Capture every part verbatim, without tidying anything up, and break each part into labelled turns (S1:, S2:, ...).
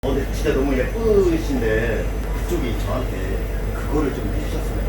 S1: 어, 근데 진짜 너무 예쁘신데 그쪽이 저한테 그거를 좀 해주셨으면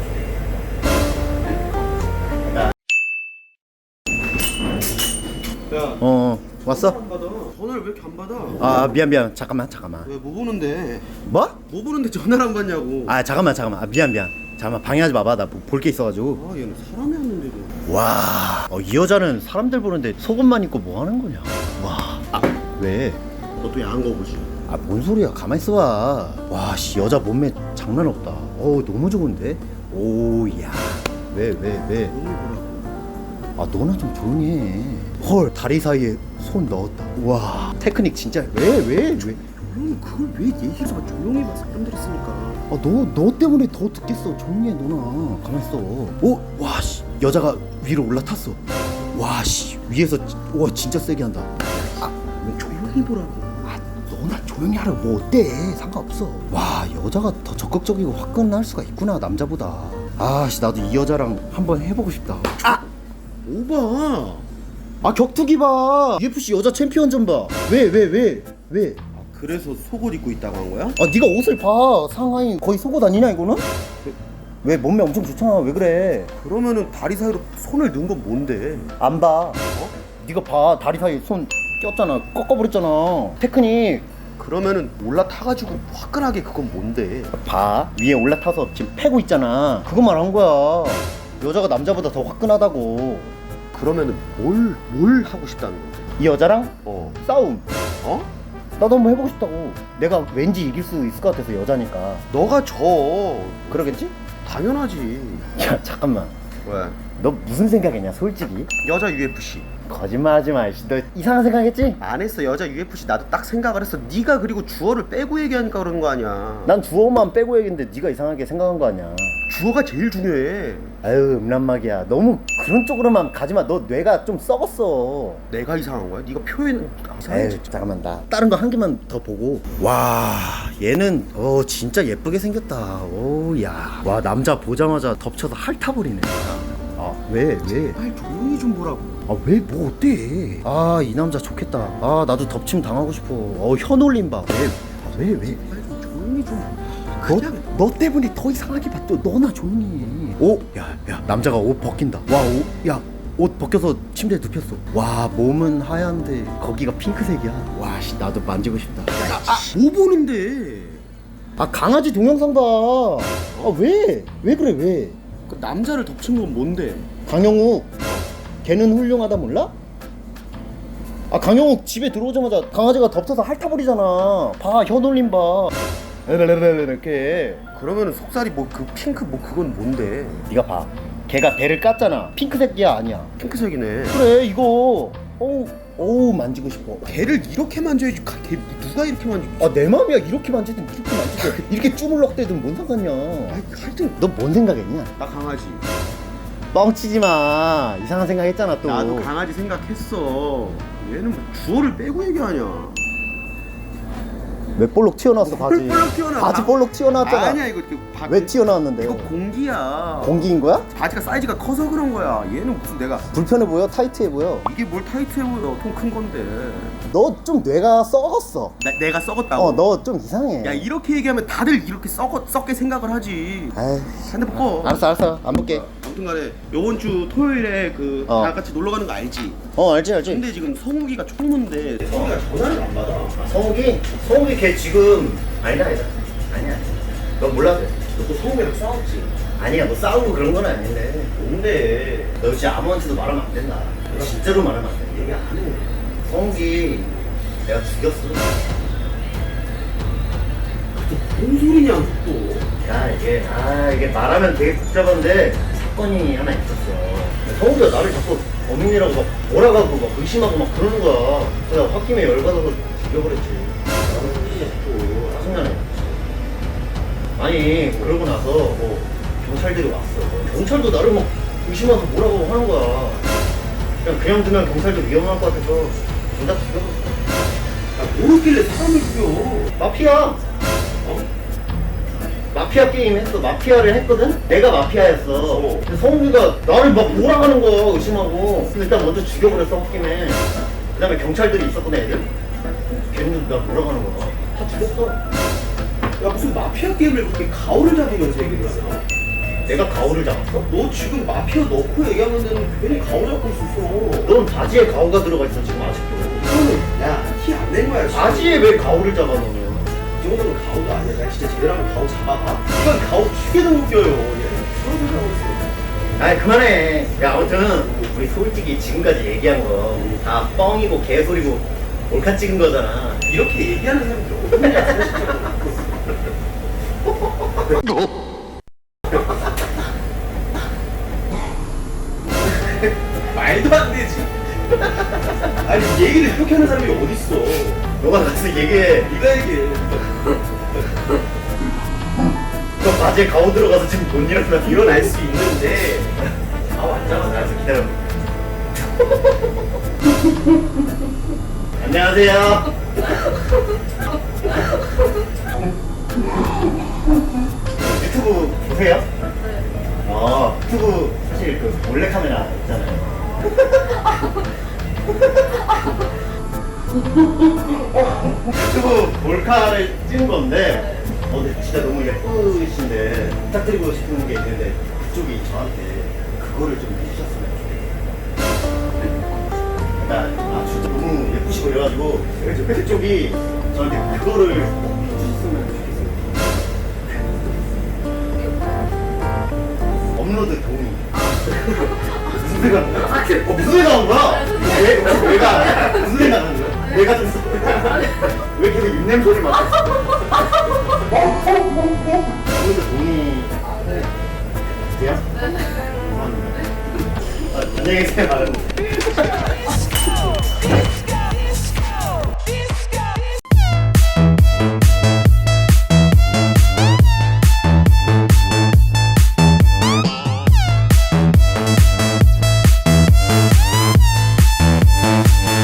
S1: 좋겠어요. 야,
S2: 어 왔어?
S1: 안 받아. 전화를 왜 이렇게 안 받아?
S2: 아 미안 미안 잠깐만 잠깐만.
S1: 왜 뭐 보는데?
S2: 뭐?
S1: 뭐 보는데 전화를 안 받냐고.
S2: 아 잠깐만 잠깐만 아, 미안 미안 잠깐만 방해하지 마봐 나 볼 게 있어가지고.
S1: 아, 얘는 사람이 왔는데도.
S2: 와, 어, 이 여자는 사람들 보는데 속옷만 입고 뭐 하는 거냐? 와, 아, 왜?
S1: 너도 야한 거 보지.
S2: 아, 뭔 소리야? 가만 있어봐. 와, 씨, 여자 몸매 장난 없다. 어우, 너무 좋은데? 오, 야, 왜, 왜, 왜?
S1: 너무 보라고.
S2: 아, 너나 좀 조용히 해. 헐, 다리 사이에 손 넣었다. 와, 테크닉 진짜 왜, 왜, 왜?
S1: 조용히 그걸 왜 얘기해서 조용히 봐. 사람들 있으니까.
S2: 아, 너, 너 때문에 더 듣겠어. 조용히 해, 너나. 가만 있어. 오, 와, 씨, 여자가 위로 올라탔어. 와, 씨, 위에서, 지- 와, 진짜 세게 한다. 아,
S1: 조용히 보라고.
S2: 아, 너나 조용히 하라고. 뭐 어때? 상관없어. 와, 여자가 더 적극적이고 화끈할 수가 있구나, 남자보다. 아, 씨, 나도 이 여자랑 한번 해보고 싶다. 아,
S1: 오바.
S2: 아, 격투기 봐. 유에프씨 여자 챔피언전 봐. 왜, 왜, 왜, 왜?
S1: 아, 그래서 속옷 입고 있다고 한 거야?
S2: 아, 네가 옷을 봐. 상하이 거의 속옷 아니냐 이거는? 왜, 왜 몸매 엄청 좋잖아. 왜 그래?
S1: 그러면은 다리 사이로 손을 넣은 건 뭔데?
S2: 안 봐. 어? 네가 봐. 다리 사이 손 꼈잖아. 꺾어버렸잖아. 테크닉.
S1: 그러면은 올라타가지고 화끈하게 그건 뭔데?
S2: 봐. 위에 올라타서 지금 패고 있잖아. 그것만 한 거야. 여자가 남자보다 더 화끈하다고.
S1: 그러면은 뭘, 뭘 하고 싶다는 건데?
S2: 이 여자랑
S1: 어.
S2: 싸움.
S1: 어?
S2: 나도 한번 해보고 싶다고. 내가 왠지 이길 수 있을 것 같아서 여자니까.
S1: 너가 져.
S2: 그러겠지?
S1: 당연하지.
S2: 야 잠깐만.
S1: 왜?
S2: 너 무슨 생각이냐 솔직히?
S1: 여자 유에프씨.
S2: 거짓말하지 마. 씨. 너 이상한 생각했지?
S1: 안 했어. 여자 유에프씨 나도 딱 생각을 했어. 네가 그리고 주어를 빼고 얘기하니까 그런 거 아니야.
S2: 난 주어만 빼고 얘기했는데 네가 이상하게 생각한 거 아니야.
S1: 주어가 제일 중요해.
S2: 아유 음란막이야. 너무 그런 쪽으로만 가지마. 너 뇌가 좀 썩었어.
S1: 내가 이상한 거야? 네가 표현
S2: 에이
S1: 이상해.
S2: 잠깐만 나 다른 거 한 개만 더 보고. 와 얘는 어 진짜 예쁘게 생겼다. 오야와 남자 보자마자 덮쳐서 핥아버리네. 아왜 왜?
S1: 빨리 조용히 좀 보라고.
S2: 아 왜 뭐 어때? 아 이 남자 좋겠다. 아 나도 덮침 당하고 싶어. 어 현올림 봐. 왜? 왜 왜?
S1: 빨리 좀 조용히 좀.
S2: 너,
S1: 그냥
S2: 너 때문에 더 이상하게 봤죠. 너나 조용히 해. 오, 야, 야, 남자가 옷 벗긴다. 와, 오, 야, 옷 벗겨서 침대에 눕혔어. 와, 몸은 하얀데 거기가 핑크색이야. 와, 씨, 나도 만지고 싶다.
S1: 아, 뭐 보는데?
S2: 아, 강아지 동영상 봐. 아, 왜? 왜 그래, 왜?
S1: 그 남자를 덮친 건 뭔데?
S2: 강영욱, 걔는 훌륭하다 몰라? 아, 강영욱 집에 들어오자마자 강아지가 덮쳐서 핥아버리잖아. 봐, 현올림 봐. 이렇게.
S1: 그러면은 속살이 뭐 그 핑크 뭐 그건 뭔데?
S2: 네가 봐. 걔가 배를 깠잖아. 핑크색이야 아니야.
S1: 핑크색이네.
S2: 그래 이거. 어우 어우 만지고 싶어.
S1: 걔를 이렇게 만져야지. 가- 걔 누가 이렇게 만지?
S2: 아 내 맘이야. 이렇게 만지든 이렇게 만지든 이렇게 주물럭대든 뭔 상관이야.
S1: 아이, 하여튼
S2: 너 뭔 생각했냐?
S1: 나 강아지.
S2: 뻥치지 마. 이상한 생각했잖아 또.
S1: 나도 강아지 생각했어. 얘는 뭐 주어를 빼고 얘기하냐?
S2: 왜 볼록 튀어나왔어 바지?
S1: 볼록 튀어나와.
S2: 바지 볼록 튀어나왔잖아.
S1: 아니야 이거 이렇게 바...
S2: 왜 튀어나왔는데?
S1: 이거 공기야.
S2: 공기인 거야?
S1: 바지가 사이즈가 커서 그런 거야. 얘는 무슨 내가
S2: 불편해 보여? 타이트해 보여?
S1: 이게 뭘 타이트해 보여? 통 큰 건데.
S2: 너 좀 뇌가 썩었어.
S1: 나, 내가 썩었다고?
S2: 어 너 좀 이상해.
S1: 야 이렇게 얘기하면 다들 이렇게 썩어, 썩게 생각을 하지.
S2: 아이,
S1: 핸드폰 꺼.
S2: 알았어 알았어 안 볼게.
S1: 아무튼간에 요번 주 토요일에 그
S2: 어.
S1: 다 같이 놀러 가는 거 알지?
S2: 어 알지 알지.
S1: 근데 지금 성욱이가 총무인데 성욱이가 전화를 안 받아.
S2: 성욱이? 성욱이 걔 지금 아니다 아니다 아니야 너 몰라도 돼.
S1: 너 또 성욱이랑 싸웠지?
S2: 아니야 너 싸우고 그런 건 아닌데
S1: 뭔데?
S2: 너 진짜 아무한테도 말하면 안 된다. 진짜로 말하면 안 돼.
S1: 얘기 안 해.
S2: 성욱이 내가 죽였어.
S1: 뭔 소리냐 또?
S2: 야 이게 아 이게 말하면 되게 복잡한데 사건이 하나 있었어. 성욱이가 나를 자꾸 범인이라고 막 몰아가고 막 의심하고 막 그러는 거야. 그래서 홧김에 열받아서 죽여버렸지. 나는 솔직히 또 짜증나네. 아니 그러고 나서 뭐 경찰들이 왔어. 경찰도 나를 막 의심하면서 뭐라고 하는 거야. 그냥 그냥 두면 경찰도 위험할 것 같아서 둘 다 죽여버렸어.
S1: 야 모르길래 사람을 죽여.
S2: 마피아. 어? 마피아 게임 했어. 마피아를 했거든? 내가 마피아였어.
S1: 어.
S2: 근데 성욱이가 나를 막 몰아가는 거야, 의심하고. 그래서 일단 먼저 죽여버렸어, 홧김에. 그 다음에 경찰들이 있었거든, 애들. 걔네들 나 몰아가는 거야. 다 틀렸어.
S3: 야 무슨 마피아 게임을 그렇게 가오를 잡으면서 얘기를 하냐?
S2: 내가 가오를 잡았어?
S3: 너 지금 마피아 넣고 얘기하면 되는 괜히 가오 잡고 있었어.
S2: 넌 바지에 가오가 들어가 있어 지금 아직도.
S3: 이거는 야티 안 낸 거야. 지금.
S2: 바지에 왜 가오를 잡아 너는?
S3: 이 정도는 가오도 아니야. 나 진짜 제대로 하면 가오 잡아봐. 이건 가오 죽여도 웃겨요. 얘. 그런 소리 하고 있어.
S2: 아이 그만해. 야 아무튼 우리 솔직히 지금까지 얘기한 거 다 뻥이고 개소리고 몰카 찍은 거잖아.
S3: 이렇게 얘기하는 사람들 어딨냐 진짜. 말도 안 되지. 아니 얘기를 이렇게 하는 사람이 어딨어.
S2: 너가 가서 얘기해.
S3: 네가 얘기해.
S2: 너 바지에 가오 들어가서 지금 돈 일어나.
S3: 일어날 수 있는데
S2: 가오 안 잡아. 나서 기다려. 안녕하세요. 유튜브 보세요?
S4: 네.
S2: 아 유튜브 사실 그 몰래카메라 있잖아요. 유튜브 몰카를 찍은 건데 어, 근데 진짜 너무 예쁘신데 부탁드리고 싶은 게 있는데 그쪽이 저한테 그거를 좀 해주셨으면 좋겠어요. 그러니까 아, 진짜 너무 예쁘시고 그래가지고 그쪽이 저한테 그거를 꼭 해주셨으면 좋겠어요. 업로드 동의. 무슨 생각 한 거야? 어, 무슨 생각 한 거야? 왜, 왜가, 무슨 생각 한 거야? 내가 좀, 왜 계속 입냄새를 맡았어? 업로드 동의. 돼요? 감사합니다. 아, 안녕히 계세요.